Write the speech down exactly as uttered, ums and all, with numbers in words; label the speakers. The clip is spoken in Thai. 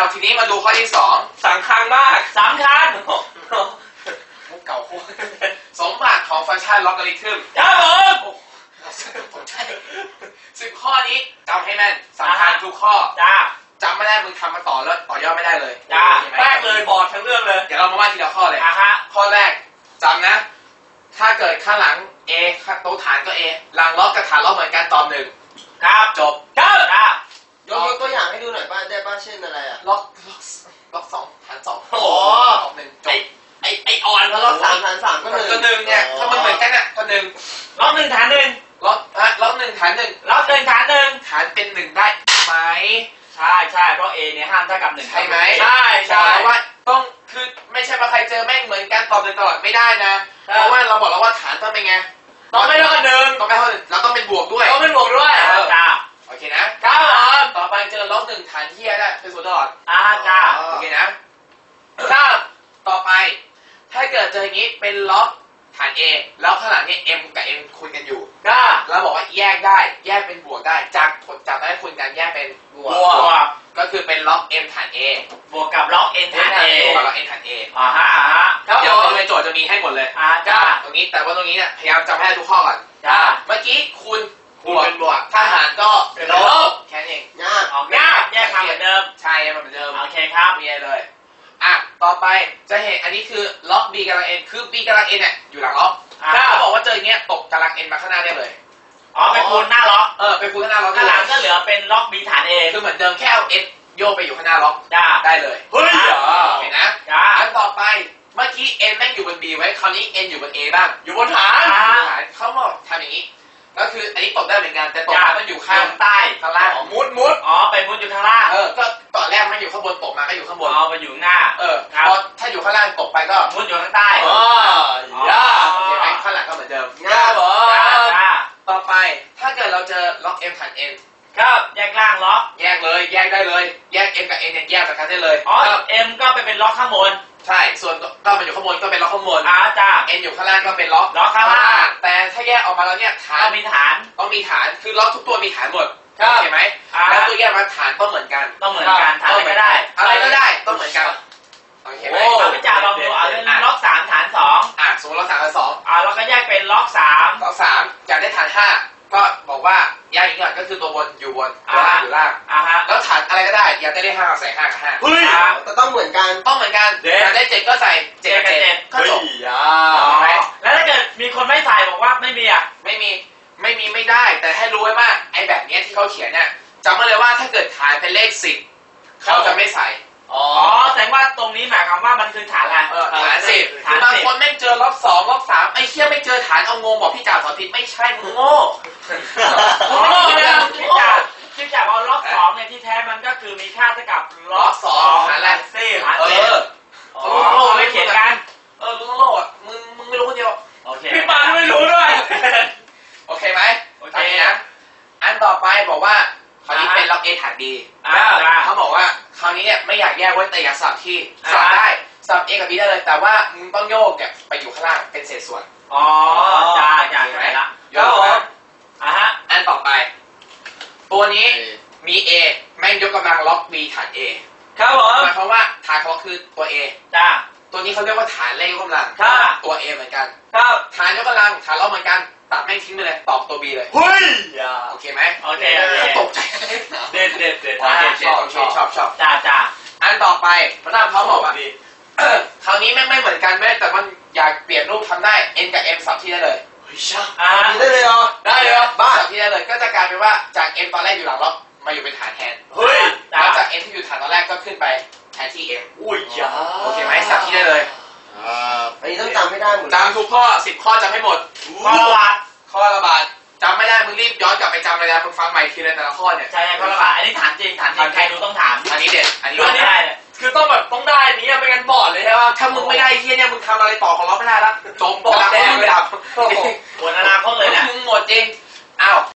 Speaker 1: าวทีนี้มาดูข้อที่สองสำคัญมาก
Speaker 2: สำคัญ
Speaker 1: มุกเก่าโคตรสมบัติของฟังก์ชันล็อกการิทึม
Speaker 2: ครับผม
Speaker 1: ผมใช่สิบข้อนี้จำให้แม่นสำคัญทุกข้อ
Speaker 2: จ้า
Speaker 1: จำไม่ได้มึงทำมาต่อแล้วต่อยอดไม่ได้เลย
Speaker 2: จ้าแรกเลยบอดทั้งเรื่องเลย
Speaker 1: เดี๋ยวเรามาว่าทีละข้อเลย
Speaker 2: อ่ะฮะ
Speaker 1: ข้อแรกจำนะถ้าเกิดข้างหลัง A ตัวฐานก็ A หลังล็อกกับฐานล็อกเหมือนกันตอบหนึ่ง
Speaker 2: ครับ
Speaker 1: จบ
Speaker 2: ครับจ้
Speaker 3: ยกยกตัวอย่างให้ดูหน่อยบ้านได้บ้านเช่นอะไรอะ
Speaker 1: ล็อกล็อกล็อกสองฐานสอง
Speaker 2: โอ้โห
Speaker 1: ตอบหนึ่งจบ
Speaker 2: ไอไออ่อน
Speaker 3: แล้วล็อกสามฐานสามก็หนึ่ง
Speaker 1: ก็หนึ่งเนี่ยถ้ามันเหมือนกันอ่ะก็หนึ่ง
Speaker 2: ล็อกหนึ่งฐานหนึ่ง
Speaker 1: ล็อกฮะล็อกหนึ่งฐานหนึ่ง
Speaker 2: ล็อกหนึ่งฐานหนึ่ง
Speaker 1: ฐานเป็นหนึ่งได้ไหม
Speaker 2: ใช่ใช่เพราะ A เนี่ยห้ามเท่ากับหนึ่ง
Speaker 1: ใช่ไหม
Speaker 2: ใช่ใช่
Speaker 1: ว่าต้องคือไม่ใช่ว่าใครเจอแม่งเหมือนกันตอบหนึ่งตลอดไม่ได้นะเพราะว่าเราบอกแล้วว่าฐานต้องเป็นไง
Speaker 2: ต้องไม่เท่ากับหนึ่ง
Speaker 1: ต้องไม่เท่าหนึ่งเราต้องเป็นบวกด้วย
Speaker 2: ต้องเป็นบวกด้วยจ้า
Speaker 1: โอเคนะครับต่อไปเจอล็อกหนึ่งฐานเทียได้เป็นศูนย์ตลอด
Speaker 2: อ่าจ้า
Speaker 1: โอเคนะถ้าต่อไปถ้าเกิดเจออย่างนี้เป็นล็อกฐาน A แล้วข้างหลังนี้ M กับ M คุยกันอยู่
Speaker 2: ก็
Speaker 1: เราบอกว่าแยกได้แยกเป็นบวกได้จากจากนั้นคุยกันแยกเป็นบวกก็คือเป็นล็อก M ฐาน A
Speaker 2: บวกกับล็อก N ฐาน A
Speaker 1: บวกกับล็อก N ฐาน A
Speaker 2: อ่าฮะอ่าฮะ
Speaker 1: เดี๋ยวในโจทย์จะมีให้หมดเลย
Speaker 2: อ่าจ้า
Speaker 1: ตรงนี้แต่ว่าตรงนี้เนี่ยพยายามจำให้ทุกข้อก่อน
Speaker 2: จ้า
Speaker 1: เมื่อกี้คูณ
Speaker 2: บวกเป็นบวก
Speaker 1: ทหารก็เป็นลบแค่นี้
Speaker 3: ยาก
Speaker 2: ออกยากแยกมาเหมือนเดิม
Speaker 1: ใช่มันเหมือนเดิม
Speaker 2: โอเคครับ
Speaker 1: มีอะไรเลยอ่ะต่อไปจะเห็นอันนี้คือล็อก B กำลัง N คือ B กำลัง N เนี่ยอยู่หลังล็อกถ้าเขาบอกว่าเจออย่างเงี้ยตกกำลัง N มาข้างหน้าได้เลย
Speaker 2: อ๋อไปคูณหน้าล็อก
Speaker 1: เออไปคูณข้างหน้าล็อก
Speaker 2: ข้างหลังก็เหลือเป็นล็อก B ฐาน A
Speaker 1: คือเหมือนเดิมแค่เอา S โยกไปอยู่ข้างหน้าล็อกได้เลย
Speaker 2: เฮ้ย
Speaker 1: เห็นนะอันต่อไปเมื่อกี้ N แม่งอยู่บน B ไว้คราวนี้ N อยู่บน A บ้างอยู่บนฐานเขาบอกทำอย่างนี้ก็คืออันนี้ตกได้เหมือนกันแต่ตกมันอยู่ข้าง
Speaker 2: ใต้
Speaker 1: ข้างล่างมุดมุด
Speaker 2: อ๋อไปมุดอยู่ข้างล่าง
Speaker 1: เออก็ตอนแรกมันอยู่ข้างบนตกมาก็อยู่ข้างบน
Speaker 2: อ๋อไปอยู่หน้า
Speaker 1: เออพอถ้าอยู่ข้างล่างตกไปก็
Speaker 2: มุดอยู่ข้างใต้
Speaker 1: อ๋อย่าโอเคไหมข้างหลังก็เหมือนเดิม
Speaker 3: ย่า
Speaker 1: บอ
Speaker 2: ย่า
Speaker 1: ต่อไปถ้าเกิดเราเจอล็อก M ฐาน N
Speaker 2: ครับแยกล่างล็อก
Speaker 1: แยกเลยแยกได้เลยแยก M กับ N เนี่ยแยกจากกันได้เลย
Speaker 2: อ๋อ M ก็ไปเป็นล็อกข้างบน
Speaker 1: ใช่ส่วนก็มันอยู่ข้างบนก็เป็นล็อกข้างบน
Speaker 2: อ่าจ้า
Speaker 1: N อยู่ข้างล่างก็เป็นล็อก
Speaker 2: ล็อกข้างล่าง
Speaker 1: แต่ถ้าแยกออกมาแล้วเนี่ยฐาน
Speaker 2: ต้องมีฐาน
Speaker 1: ต้องมีฐานคือล็อกทุกตัวมีฐานหมด
Speaker 2: โอ
Speaker 1: เคไหมแล้วตัวแยกมาฐานต้องเหมือนกัน
Speaker 2: ต้องเหมือนกันฐานอะไรก็ได้
Speaker 1: อะไรก็ได้ต้องเหมือนกันโอเคไหม
Speaker 2: เอาไปจ่าลองดูเอาเป็นล็อกสามฐานสอง
Speaker 1: อ่ะสมมติล็อกสามฐานสอง
Speaker 2: อ่าเราก็แยกเป็นล็อกสาม
Speaker 1: ล็อกสามอยากได้ฐานห้าก็บอกว่าแยกอีกหน่อยก็คือตัวบนอยู่บนตัวล่างอยู่ล่าง
Speaker 2: อ่าฮะ
Speaker 1: แล้วฐานอะไรก็ได้อยากได้เลขห้าใส่ห้ากับห้า
Speaker 2: เฮ้ย
Speaker 3: แต่ต้องเหมือนกัน
Speaker 1: ต้องเหมือนกันอยากได้เจ็ดก็ใส่เจ็ดกับเจ็ดก็จบ
Speaker 2: แล้วถ้าเกิดมีคนไม่ใส่บอกว่าไม่มีอ่ะ
Speaker 1: ไม่มีไม่มีไม่ได้แต่ให้รู้ไว้ว่าไอ้แบบนี้ที่เขาเขียนเนี่ยจำไว้เลยว่าถ้าเกิดฐานเป็นเลขสิบเขาจะไม่ใส่
Speaker 2: อ๋อแสดงว่าตรงนี้หมายความว่ามันคือฐานอะไร
Speaker 1: ฐานสิบคือบางคนไม่เจอล็อกสองล็อกสามไอ้เชี่ยไม่เจอฐานเอางงบอกพี่จ่าสอนผิดไม่ใช่มึงโง่
Speaker 2: มึงโง่เนี่ยพี่จ่าพี่จ่าเอาล็อกสองเนี่ยที่แท้มันก็คือมีค่าเท่ากับ
Speaker 1: ล็อกสองฐานอะไร
Speaker 2: สิบฐานสิบ
Speaker 1: เออโง่ไม่เขียนกันเออมึงโง่อ่ะมึงมึงไม่รู้คนเดียว
Speaker 2: โอเคพี่ปานไม่รู้ด้วย
Speaker 1: โอเคไหมโอเคนะอันต่อไปบอกว่าคราวนี้เป็นล็อก A ฐาน B เขาบอกว่าคราวนี้เนี่ยไม่อยากแยกไว้แต่อยากสลับที่สลับได้สลับ A กับ B ได้เลยแต่ว่ามึงต้องโยกเนี่ยไปอยู่ข้างล่างเป็นเศษส่วน
Speaker 2: อ๋อจ้าจ้าใช่ไหมละ
Speaker 1: โยกนะ
Speaker 2: อ่ะฮะ
Speaker 1: อันต่อไปตัวนี้มี A แม่งยกกำลังล็อก B ฐาน A
Speaker 2: ครับผม
Speaker 1: หมายความว่าฐานเขาคือตัว A
Speaker 2: จ้า
Speaker 1: ตัวนี้เขาเรียกว่าฐานเลขยกกำลังตัว A เหมือนกัน
Speaker 2: ครับ
Speaker 1: ฐานยกกำลังฐานล็อกเหมือนกันตัดแม่งทิ้งไปเลยตอบตัว B เลย
Speaker 2: เฮ้ย
Speaker 1: โอเคไหม
Speaker 2: โอเค
Speaker 1: ตกใจ
Speaker 2: เด็ดเด็ดเด็ด
Speaker 1: ชอบชอบชอบชอบ
Speaker 2: จ้าจ้า
Speaker 1: อันต่อไปพระนามเขาบอกว่าคราวนี้แม่งไม่เหมือนกันแม่แต่มันอยากเปลี่ยนรูปทำได้ N กับ M สับที่ได้เลย
Speaker 3: เฮ้ยช่าง
Speaker 1: ได้เลยเหรอได้เลยเหรอบ้าสับที่ได้เลยก็จะกลายเป็นว่าจาก M ตอนแรกอยู่หลังล็อกมาอยู่เป็นฐานแทน
Speaker 2: เฮ้ย
Speaker 1: แล้วจาก M ที่อยู่ฐานตอนแรกก็ขึ้นไปแทนที่ M
Speaker 2: อุ้ยจ้า
Speaker 1: โอเคไหมสับที่ได้เลย
Speaker 3: อันนี้ต้องจำไม่ได้หมด
Speaker 1: จำทุกข้อสิบข้อจำให้หมด
Speaker 2: ข้อละบาท
Speaker 1: ข้อละบาทจำไม่ได้มึงรีบย้อนกลับไปจำเลยนะมึงฟังใหม่ทีละแต่ละข้อเนี่ย
Speaker 2: ใช่ข้อละบาทอันนี้ถามจริงถามจริงใครดูต้องถาม
Speaker 1: อันนี้เด็ดอันนี้
Speaker 2: ได้คือต้องแบบต้องได้นี้ไม่งั้นบอดเลยใช่ป่ะ
Speaker 1: ถ้ามึงไม่ได้เฮียเนี่ยมึงทำอะไรต่อของเราไม่ได้ละจมบอดแน่เลยดับ
Speaker 2: หมดอนาคตเลยเนี่ย
Speaker 1: มึงหมดจริงอ้าว